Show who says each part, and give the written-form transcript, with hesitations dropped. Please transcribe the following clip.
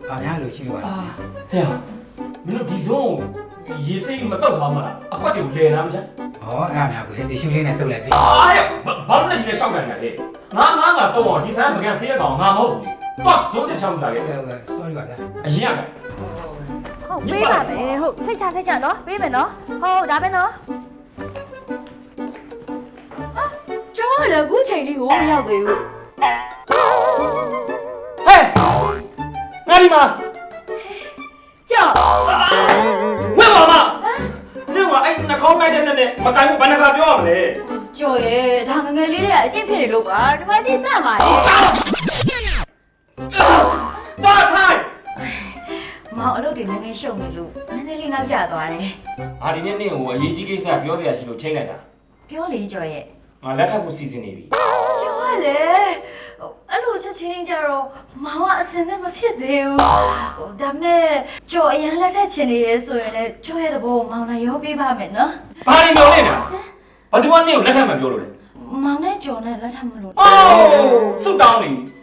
Speaker 1: ဘာများလို့ရှိလို့ပါလဲ
Speaker 2: ဟဲ့မင်းတို့ဒီစုံရေစိတ်မတော့ပါမလားအခွက်တွေကိုလဲလားမလား
Speaker 1: ဟောအဲ့အများကိုဒီရှူလေးနဲ့တုတ်လိုက်ပြီ
Speaker 2: ဟဲ့ဘာလို့လဲဒီနဲ့ရှောက်နေတယ်ငါတော့ဒီဆိုင်ပကံဆေးရကောင်ငါမဟုတ်ဘူးတော့ဇုံးတက်ချောင်းလာလေ
Speaker 1: ဟုတ်ကဲ့ sorry ပါဗျာ
Speaker 2: အရင်က
Speaker 3: ဟုတ်ပေးပါမယ်ဟုတ်စိတ်ချနော်ပေးမယ်နော်ဟုတ်ဒါပဲနော်ဟာကျောင်းလည်းအခုချိန်လေးကိုမရောက်သေးဘူး
Speaker 2: ဟဲ့ငါဒီမှာ
Speaker 3: ကျော်
Speaker 2: ဝဲပါမနေကအဲ့နှာခေါင်းလိုက်တဲ့နဲ့မကိုင်းဘူးဘယ်နှခါပြောရမလဲ
Speaker 3: ကျော်ရဲ့ဒါငငယ်လေးတွေကအချင်းဖြစ်နေလို့ပါဒီမှာဒီတတ်ပါလေ
Speaker 2: တာထိုင်
Speaker 3: မောင်အလုပ်တွေငငယ်ရှုံနေလို့နည်းနည်းလေးနောက်ကျသွားတယ်
Speaker 2: အာဒီနေ့နေကိုအရေးကြီးကိစ္စပြောစရာရှိလို့ချိန်လိုက်တာ
Speaker 3: ပြောလေကျော်ရဲ့
Speaker 2: ငါလက်ထပ်ဖို့စီစဉ်နေပြီ
Speaker 3: ကျော်ကလေအဲ့လိုချက်ချင်းကြတော့မောင်ကအစင်နဲ့မဖြစ်သေးဘူးဒါမဲ့ကျော်အရင်လက်ထက်ချင်နေရဲဆိုရင်လည်းကျော်ရဲ့သဘောကိုမောင်လည်းရောပေးပါမယ်နော်
Speaker 2: ဘာလို့ပြောနေတာဘာသူကနေကိုလက်ထပ်မပြောလို့လဲ
Speaker 3: မောင်နဲ့ကျော်နဲ့လက်ထပ်မလို့
Speaker 2: အိုးစွတ်တောင်းနေ